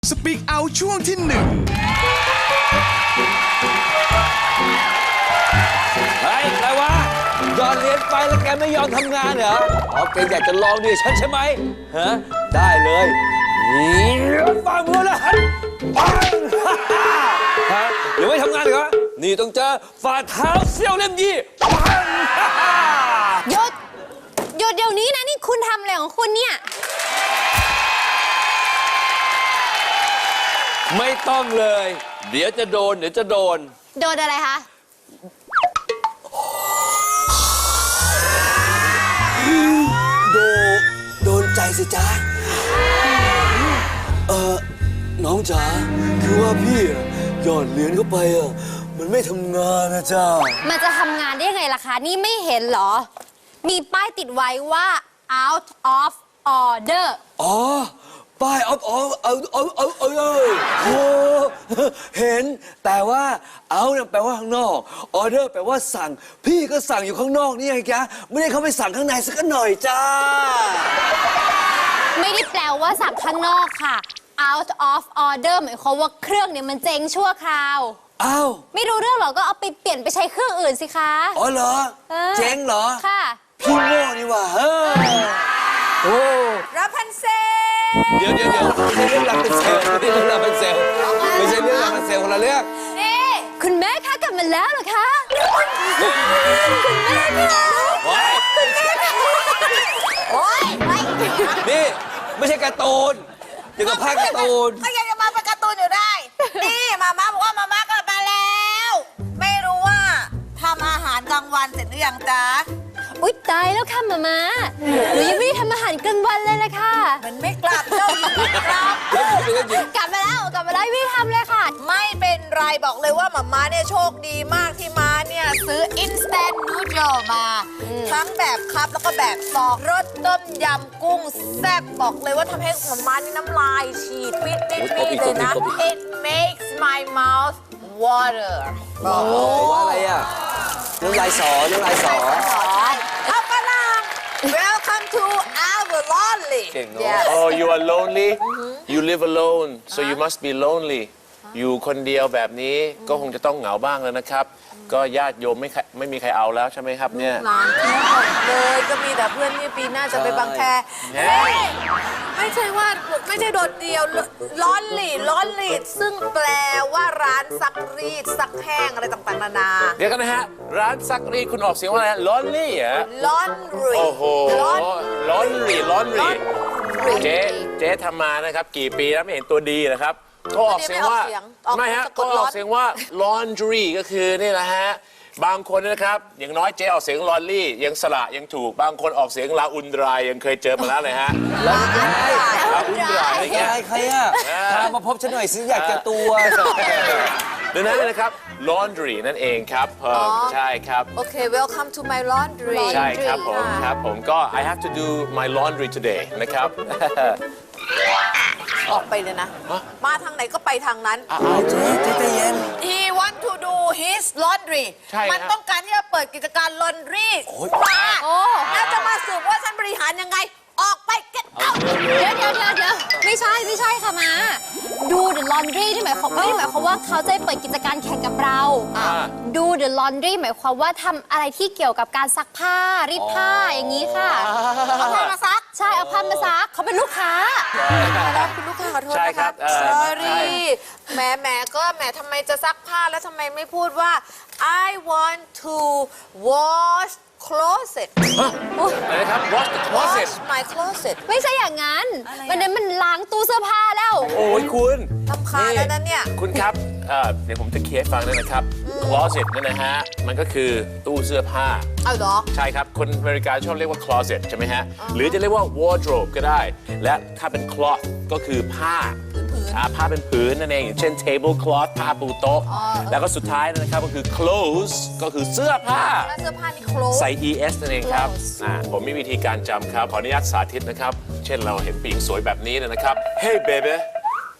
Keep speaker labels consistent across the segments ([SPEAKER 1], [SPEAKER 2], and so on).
[SPEAKER 1] สปีกเอาช่วงที่หนึ่ง
[SPEAKER 2] เฮ้ยอะไรวะหยอดเหรียญไปแล้วแกไม่ยอมทำงานเหรออ๋อแกอยากจะลองดิฉันใช่ไหมฮะได้เลยนี่ฝ่ามือแล้วหันปังฮะยังไม่ทำงานเหรอนี่ต้องเจอฝ่าเท้าเซี่ยวเล่มยี่ปัง
[SPEAKER 3] หยุดเดี๋ยวนี้นะนี่คุณทำอะไรของคุณเนี่ย
[SPEAKER 2] ไม่ต้องเลยเดี๋ยวจะโดน
[SPEAKER 3] โดนอะไรคะ
[SPEAKER 2] โดนใจสิจ๊ะน้องจ๋าคือว่าพี่หยอดเหรียญเข้าไปมันไม่ทำงานนะจ๊ะ
[SPEAKER 3] มันจะทำงานได้ยังไงล่ะคะนี่ไม่เห็นเหรอมีป้ายติดไว้ว่า out of order
[SPEAKER 2] อ๋อป้ายเอาเห็นแต่ว่าเอาเนี่ยแปลว่าข้างนอกออเดอร์แปลว่าสั่งพี่ก็สั่งอยู่ข้างนอกนี่ไงจ๊ะไม่ได้เข้าไปสั่งข้างในสักหน่อยจ้า
[SPEAKER 3] ไม่ได้แปลว่าสั่งข้างนอกค่ะ out of order หมายความว่าเครื่องเนี่ยมันเจ๊งชั่วคราว
[SPEAKER 2] อ้าว
[SPEAKER 3] ไม่รู้เรื่องหรอก็เอาไปเปลี่ยนไปใช้เครื่องอื่นสิคะ
[SPEAKER 2] อ๋อเหรอเจ๊งเหรอ
[SPEAKER 3] ค่ะ
[SPEAKER 2] พี่โง่นี่ว่าโอ้
[SPEAKER 3] รับพันเซ
[SPEAKER 2] เดี๋ยวไม่ใช่เรื่องรับเป็นเซลล์ไม่ใช่เรื่องรับเป็นเซลล์ไม่ใช่เรื่องรับเป็นเซลล์คนละเรื่อง
[SPEAKER 3] นี่คุณแม่คะกลับมาแล้วเหรอคะคุณแม่คะคุณแม่คะโอ๊ย
[SPEAKER 2] นี่ไม่ใช่การ์ตูนอย่างกับภาคการ์ตูน
[SPEAKER 4] ก็ยังจะมาเป็นการ์ตูนอยู่ได้นี่มาม่าบอกว่ามาม่ากลับมาแล้วไม่รู้ว่าทำอาหารกลางวันเสร็จหรือยังจ๊ะ
[SPEAKER 3] อุ๊ยตายแล้วค่ะมาหนูยังไม่ได้ทำอาหารกลางวันเลยละค่ะ
[SPEAKER 4] มันไม่กลับเจ้าหญิงไม่กลับ
[SPEAKER 3] กลับมาแล้วไม่ได้ทำเลยค่ะ
[SPEAKER 4] ไม่เป็นไรบอกเลยว่ามาม่าเนี่ยโชคดีมากที่ม้าเนี่ยซื้อ instant noodle มาทั้งแบบคัพแล้วก็แบบซองรสต้มยำกุ้งแซ่บบอกเลยว่าทำให้มาม่านี่น้ำลายฉีดปิดเลยนะ it makes my mouth water
[SPEAKER 2] ว่าอะไรอ่ะน้ำลายสอ
[SPEAKER 4] เอาฝรั่ง welcome to our lonely
[SPEAKER 5] Oh you are lonely you live alone so you must be lonely อยู่คนเดียวแบบนี้ก็คงจะต้องเหงาบ้างแล้วนะครับก็ญาติโยมไม่มีใครเอาแล้วใช่ไหมครับเนี่ย
[SPEAKER 4] หลานทั้งหมดเลยก็มีแต่เพื่อนนี่ปีหน้าจะไปบางแคไม่ใช่ว่าไม่ใช่โดดเดียวล้อนหลีซึ่งแปลว่าร้านซักรีดซักแห้งอะไรต่างๆนานา
[SPEAKER 5] เดี๋ยวกันนะฮะร้านซักรีดคุณออกเสียงว่าอะไรlonely อ่ะ
[SPEAKER 4] laundry
[SPEAKER 5] โอ้โห laundry เจ๊ทำมานะครับกี่ปีแล้วไม่เห็นตัวดีนะครับก็ออกเสียงว่าไม่ฮะก็ออกเสียงว่า laundry ก็คือนี่แหละฮะบางคนนะครับอย่างน้อยเจ๊ออกเสียงลอนลี่ยังสระยังถูกบางคนออกเสียงลาอุนดรายยังเคยเจอมาแล้วเลยฮะลาอุนดรายอะไรเงี้ย
[SPEAKER 2] ใครอ่ะพามาพบฉันหน่อยสิอยากจะตัว
[SPEAKER 5] ดังนั้นนะครับ laundry นั่นเองครับใช่ครับ
[SPEAKER 4] โอเค welcome to my laundry
[SPEAKER 5] ใช่ครับผมก็ I have to do my laundry today นะครับ
[SPEAKER 4] ออกไปเลยนะมาทางไหนก็ไปทางนั้น
[SPEAKER 2] เจ๊เย็น
[SPEAKER 4] He want to do his laundry มันต้องการที่จะเปิดกิจการ laundry มาแล้วจะมาสืบว่าฉันบริหารยังไงออกไป get out
[SPEAKER 3] เดี๋ยวไม่ใช่ค่ะมาดู the laundry ที่หมายความว่าเขาจะเปิดกิจการแข่งกับเราดู the laundry หมายความว่าทำอะไรที่เกี่ยวกับการซักผ้ารีดผ้าอย่างนี้ค่ะ
[SPEAKER 4] เอาผ้ามาซัก
[SPEAKER 3] ใช่เอาผ้ามาซักเขาเป็นลูกค้า
[SPEAKER 4] แล้วคุณลูกค้าขอโทษนะคะ sorry แหมก็ทำไมจะซักผ้าแล้วทำไมไม่พูดว่า I want to wash closet
[SPEAKER 5] อะไรครับ wash
[SPEAKER 4] my closet
[SPEAKER 3] ไม่ใช่อย่างนั้นมันล้างตู้เสื้อผ้าแล้ว
[SPEAKER 5] โอ้ยคุณ
[SPEAKER 4] ทำคาแล้วนั้นเนี่ย
[SPEAKER 5] คุณครับเดี๋ยวผมจะเคลียร์ฟังด้วยนะครับ closet นั่นนะฮะมันก็คือตู้เสื้อผ้า
[SPEAKER 4] เอาเหรอ
[SPEAKER 5] ใช่ครับคนอเมริกาชอบเรียกว่า closet ใช่ไหมฮะหรือจะเรียกว่า wardrobe ก็ได้และถ้าเป็น cloth ก็คือผ้าเป็นผืนนั่นเองอย่างเช่น table cloth ผ้าปูโต๊ะแล้วก็สุดท้ายนะครับก็คือ clothes ก็คือเสื้อผ้า
[SPEAKER 4] เสื้อผ้านี่ clothes
[SPEAKER 5] ใส่ es นั่นเองครับผมมีวิธีการจำครับขออนุญาตสาธิตนะครับเช่นเราเห็นผู้หญิงสวยแบบนี้นะครับ Hey baby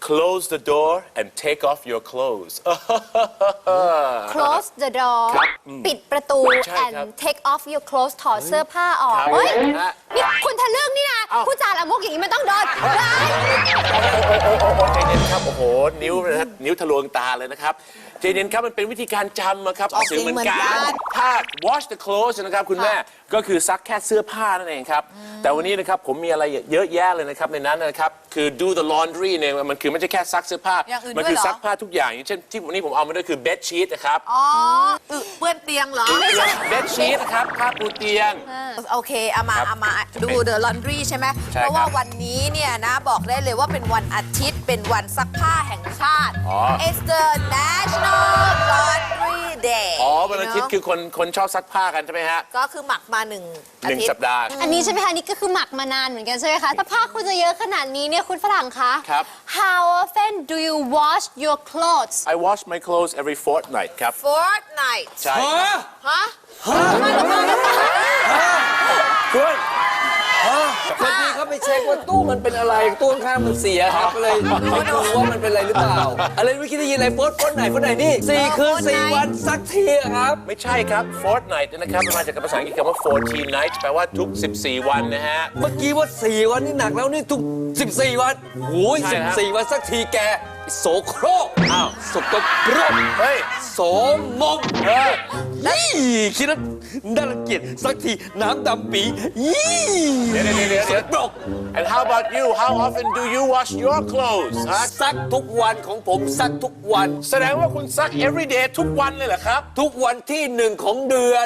[SPEAKER 5] close the door and take off your clothes
[SPEAKER 3] close the door ปิดประตู
[SPEAKER 5] ใช่ครับ
[SPEAKER 3] and take off your clothes ถอดเสื้อผ้าออก
[SPEAKER 5] ครับ
[SPEAKER 3] เฮ้ย
[SPEAKER 5] ฮะ
[SPEAKER 3] นี่คุณทะลึ่งนี่นะ
[SPEAKER 5] เอ้า
[SPEAKER 3] ผู้จาละมุกอย่างนี้มันต้องโดนได้
[SPEAKER 5] ใจเย็นครับ โอ้โห นิ้วนะครับนิ้วทะลวงตาเลยนะครับใจเย็นครับ มันเป็นวิธีการจำนะครับออกเสียงเหมือนกัน ถ้า wash the clothes นะครับคุณแม่ ก็คือซักแค่เสื้อผ้านั่นเองครับ แต่วันนี้นะครับผมมีอะไรเยอะแยะเลยนะครับในนั้นนะครับ คือ do the laundry เนี่ยมันคือไม่ใช่แค่ซักเสื้อผ้า
[SPEAKER 4] อย่างอื่น
[SPEAKER 5] มั
[SPEAKER 4] ด้วย
[SPEAKER 5] คื
[SPEAKER 4] เหรอ
[SPEAKER 5] ซักผ้าทุกอย่างอย่างเช่นที่วันนี้ผมเอามาด้วยคือ bed sheet นะครับ
[SPEAKER 4] อ๋อเปื้อนเตียงเหรอ
[SPEAKER 5] bed sheet นะครับผ้าปูเตียง
[SPEAKER 4] โอเคเอามาดู The Laundry ใช่ไหม
[SPEAKER 5] ใช่
[SPEAKER 4] เพราะว่า
[SPEAKER 5] ครับ
[SPEAKER 4] วันนี้เนี่ยนะบอกได้เลยว่าเป็นวันอาทิตย์เป็นวันซักผ้าแห่งชาติ
[SPEAKER 5] อ๋อ
[SPEAKER 4] It's the National Laundry Day
[SPEAKER 5] อ๋อวันอาทิตย์คือคนชอบซักผ้ากันใช่ไหมฮะ
[SPEAKER 4] ก็คือหมักมาหนึ่งอา
[SPEAKER 5] หนึ่ง
[SPEAKER 4] ทิต
[SPEAKER 5] สั
[SPEAKER 4] ย์
[SPEAKER 5] ปดาห์
[SPEAKER 3] อันนี้ใช่ไหมคะนี่ก็คือหมักมานานเหมือนกันใช่ไหมคะถ้าผ้าคุณจะเยอะขนาดนี้เนี่ยคุณฝรั่งคะ
[SPEAKER 5] ครับ
[SPEAKER 3] How often do you wash your clothes
[SPEAKER 5] I wash my clothes every fortnight ครับ
[SPEAKER 4] Fortnight
[SPEAKER 5] ใช่
[SPEAKER 4] ฮะ
[SPEAKER 5] คุณ
[SPEAKER 2] พอดีเขาไปเช็คว่าตู้มันเป็นอะไรตู้ข้างๆมันเสียครับก็เลยไม่รู้ว่ามันเป็นอะไรหรือเปล่า อะไรเมื่อกี้ได้ยินอะไรโฟนไหนนี่4 คืน 4 วันสักทีอะครับ
[SPEAKER 5] ไม่ใช่ครับ fortnight นะครับมันมาจากภาษาอังกฤษคำว่า 14 nights แปลว่าทุก 14 วันนะฮะ
[SPEAKER 2] เมื่อกี้ว่า 4 วันนี่หนักแล้วนี่ทุก 14 วันโอ้ย
[SPEAKER 5] ใช่ครับ
[SPEAKER 2] 14 วันสักทีแกโสโครก
[SPEAKER 5] อ้าว
[SPEAKER 2] สกปรก
[SPEAKER 5] เฮ้ย
[SPEAKER 2] โสมมนี่คิดว่าน่ารังเกียจสักทีน้ำดำปียี่
[SPEAKER 5] เดี๋ยว
[SPEAKER 2] สกปรก
[SPEAKER 5] and how about you how often do you wash your clothes ฮะ
[SPEAKER 2] ซักทุกวันของผมซักทุกวัน
[SPEAKER 5] แสดงว่าคุณซัก every day ทุกวันเลยเหรอครับ
[SPEAKER 2] ทุกวันที่ 1 ของเดือน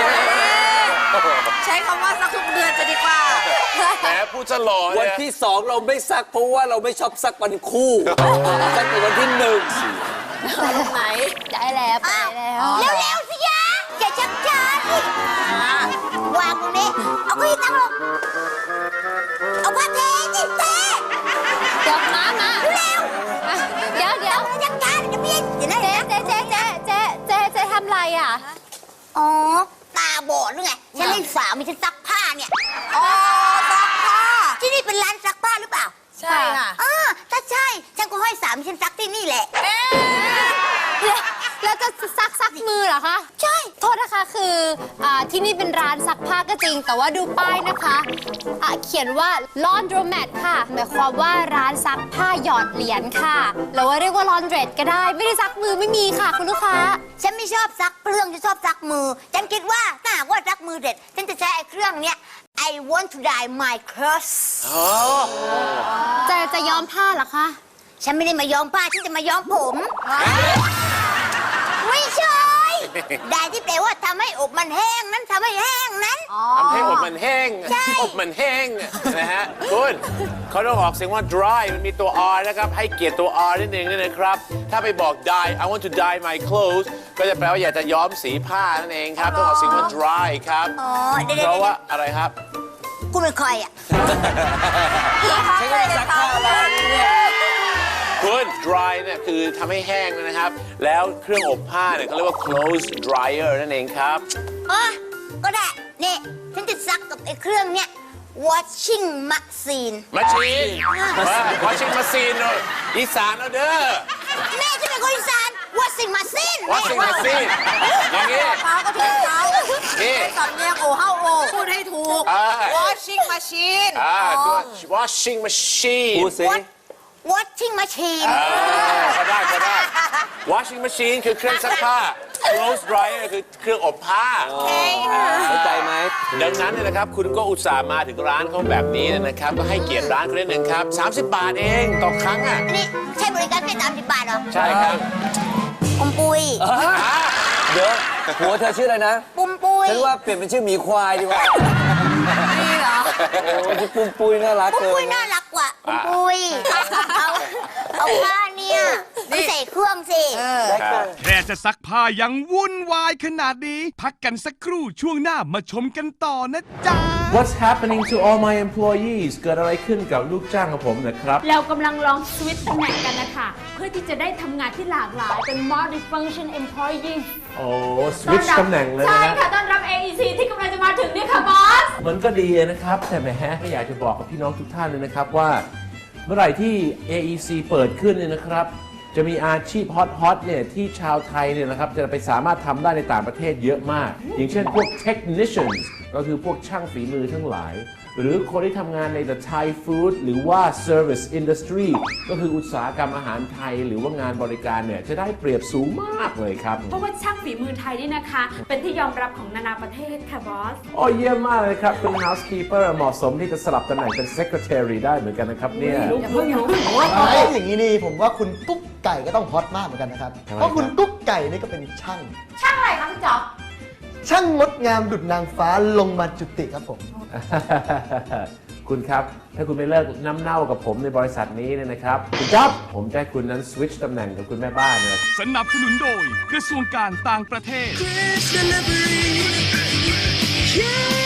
[SPEAKER 4] ใช้คำว่าสักทุกเดือนจะดีกว่า
[SPEAKER 5] แหมพูดจะหล่อ
[SPEAKER 2] วั
[SPEAKER 5] เล
[SPEAKER 2] น
[SPEAKER 5] ย
[SPEAKER 2] ที่ 2 เราไม่ซักเพราะว่าเราไม่ชอบซักวันคู่ซักแต่วันที่ 1
[SPEAKER 4] ไหน
[SPEAKER 3] ได้แล้วไปแล้ว
[SPEAKER 6] เร็วๆสิยะอย่าชักช้าวางตรงนี้ เอาเก้าอี้ตั้งลง เอาผ้าเทสิเท
[SPEAKER 3] เดี๋ยวมา
[SPEAKER 6] เร็ว
[SPEAKER 3] เดี๋ยว
[SPEAKER 6] ชักช้าเดี๋ยวพี่เดี๋ยวนะ
[SPEAKER 3] เจ๊ทำไรอ่ะ
[SPEAKER 6] อ๋อ ตาบอดหรือไง ฉันเล่นสาวมีฉันซักผ้าเนี่ย
[SPEAKER 4] อ๋อซักผ้า
[SPEAKER 6] ที่นี่เป็นร้านซักผ้าหรือเปล่า
[SPEAKER 4] ใช่ค่ะ
[SPEAKER 6] ถ้าใช่ ฉันก็ให้สามีฉันซักที่นี่แหละ
[SPEAKER 3] แล้วจะซักมือเหรอคะ
[SPEAKER 6] ใช่
[SPEAKER 3] โทษนะคะคือที่นี่เป็นร้านซักผ้าก็จริง แต่ว่าดูป้ายนะคะเขียนว่า laundromat ค่ะหมายความว่าร้านซักผ้าหยอดเหรียญค่ะหรือว่าเรียกว่า laundrette ก็ได้ ไม่ได้ซักมือไม่มีค่ะคุณลูกค้า
[SPEAKER 6] ฉันไม่ชอบซักเครื่องฉันชอบซักมือ ฉันคิดว่าถ้าหากว่าซักมือเด็ด ฉันจะใช้ไอ้เครื่องเนี้ย I want to dye my clothes
[SPEAKER 3] จะย้อมผ้าเหรอคะ
[SPEAKER 6] ฉันไม่ได้มาย้อมผ้าฉันจะมาย้อมผม ไม่ใช่ ได้ที่แปลว่าทำให้อบมันแห้งนั้นทำให้แห้งนั้น
[SPEAKER 5] ทำให้อบมันแห้ง
[SPEAKER 6] ใช่
[SPEAKER 5] อบมันแห้งนะฮะคุณเขาต้องออกเสียงว่า dry มันมีตัว r นะครับ ให้เกียรติตัว r นิดนึงนะครับ ถ้าไปบอก dye I want to dye my clothes ก็จะแปลว่าอยากจะย้อมสีผ้านั่นเองครับ ต้องออกเสียงว่า dry ครับ
[SPEAKER 6] อ๋อ เดี๋ยว
[SPEAKER 5] เพราะว่าอะไรครับ
[SPEAKER 6] คุณเป็นใครอ่ะ
[SPEAKER 2] ฉันก็ซักผ้าแล้วเนี่ย
[SPEAKER 5] คุณ dry เนี่ยคือทำให้แห้งนะครับ แล้วเครื่องอบผ้าเนี่ยเขาเรียกว่า clothes dryer นั่นเองครับ
[SPEAKER 6] อ๋อ ก็ได้ นี่ ฉันจะซักกับไอ้เครื่องเนี้ย washing machine
[SPEAKER 5] machine washing machine เนอะอีสานเอาเด้อ
[SPEAKER 6] แม่ฉันเป็นคนอีสาน washing machine
[SPEAKER 5] washing machine อย่างนี้
[SPEAKER 4] เท้าก็ถูกเท้า
[SPEAKER 5] นี่
[SPEAKER 4] สำเนียงโอเฮาโอพูดให้ถูก washing machine
[SPEAKER 5] ตัว washing machine
[SPEAKER 2] พูดสิ
[SPEAKER 6] washing machine
[SPEAKER 5] ก็ได้ washing machine คือเครื่องซักผ้า clothes dryer คือเครื่องอบผ้า
[SPEAKER 2] เข้าใจไหม
[SPEAKER 5] ดังนั้นเนี่ยนะครับ คุณก็อุตส่าห์มาถึงร้านเขาแบบนี้นะครับ ก็ให้เกียรติร้านเขานิดนึงครับ 30 บาทเองต่อครั้งอ่ะ
[SPEAKER 6] นี่ใช่บริการแค่30 บาทเหรอ
[SPEAKER 5] ใช่ครับ
[SPEAKER 6] ปุมปุย
[SPEAKER 2] เดี๋ยวหัวเธอชื่ออะไรนะ
[SPEAKER 6] ปุมปุย
[SPEAKER 2] ฉันว่าเปลี่ยนเป็นชื่อหมีควายดีกว่า
[SPEAKER 4] นี่เหรอ
[SPEAKER 2] โอ้ที่ปุ้มปุ้ยน่ารัก
[SPEAKER 6] ปุม
[SPEAKER 2] เกิ
[SPEAKER 6] ปุย
[SPEAKER 2] น
[SPEAKER 6] น่ารักกว่าปุมปุยเอาผ้าเนี่ยไปใส่เครื่องสิ
[SPEAKER 1] แค่จะซักผ้ายังวุ่นวายขนาดนี้ พักกันสักครู่ช่วงหน้ามาชมกันต่อนะจ๊ะ
[SPEAKER 7] What's happening to all my employees เกิดอะไรขึ้นกับลูกจ้างของผมนะครับ
[SPEAKER 8] เรากำลังลองสวิตช์ตำแหน่งกันนะคะ เพื่อที่จะได้ทำงานที่หลากหลายเป็น multi-function employee
[SPEAKER 7] โอ้สวิตช์ตำแหน่งเลย
[SPEAKER 8] ใช่
[SPEAKER 7] นะ
[SPEAKER 8] ค่ะต้อนรับ AEC ที่กำลังจะมาถึงเนี่ยค่ะบอส
[SPEAKER 7] มันก็ดีนะครับ แต่แหมอยากจะบอกกับพี่น้องทุกท่านเลยนะครับว่าเมื่อไหร่ที่ AEC เปิดขึ้นเนี่ยนะครับจะมีอาชีพฮอตๆเนี่ยที่ชาวไทยเนี่ยนะครับจะไปสามารถทำได้ในต่างประเทศเยอะมาก อย่างเช่นพวก technicians ก็คือพวกช่างฝีมือทั้งหลาย หรือคนที่ทำงานใน the Thai food หรือว่า service industry ก็คืออุตสาหกรรมอาหารไทยหรือว่างานบริการเนี่ยจะได้เปรียบสูงมากเลยครับ
[SPEAKER 8] เพราะว่าช่างฝีมือไทยนี่นะคะ เป็นที่ยอมรับของนานาประเทศค่ะบอส
[SPEAKER 7] โอ้เยี่ยมมากเลยครับเป็น housekeeper เหมาะสมที่จะสลับตำแหน่งเป็น secretary ได้เหมือนกันนะครับเนี่ย
[SPEAKER 8] อย่าเพิ่ง
[SPEAKER 9] อย่างนี้นี่ผมว่าคุณกุ๊กไก่ก็ต้องฮอตมากเหมือนกันนะครับ
[SPEAKER 7] ทำไม
[SPEAKER 9] เพราะคุณ
[SPEAKER 7] ครับ
[SPEAKER 9] กุ๊กไก่นี่ก็เป็นช่าง
[SPEAKER 3] ช่างอะไรคะพี่จ๊อบ
[SPEAKER 9] ช่างงดงามดุจนางฟ้าลงมาจุติครับผม
[SPEAKER 7] คุณครับ ถ้าคุณไม่เลิกน้ำเน่ากับผมในบริษัทนี้เนี่ยนะครับคุณจ๊อบผมจะให้คุณนั้นสวิตช์ตำแหน่งกับคุณแม่บ้านเนี่ย
[SPEAKER 1] สนับสนุนโดยกระทรวงการต่างประเทศ
[SPEAKER 10] Chris Delivery. Yeah.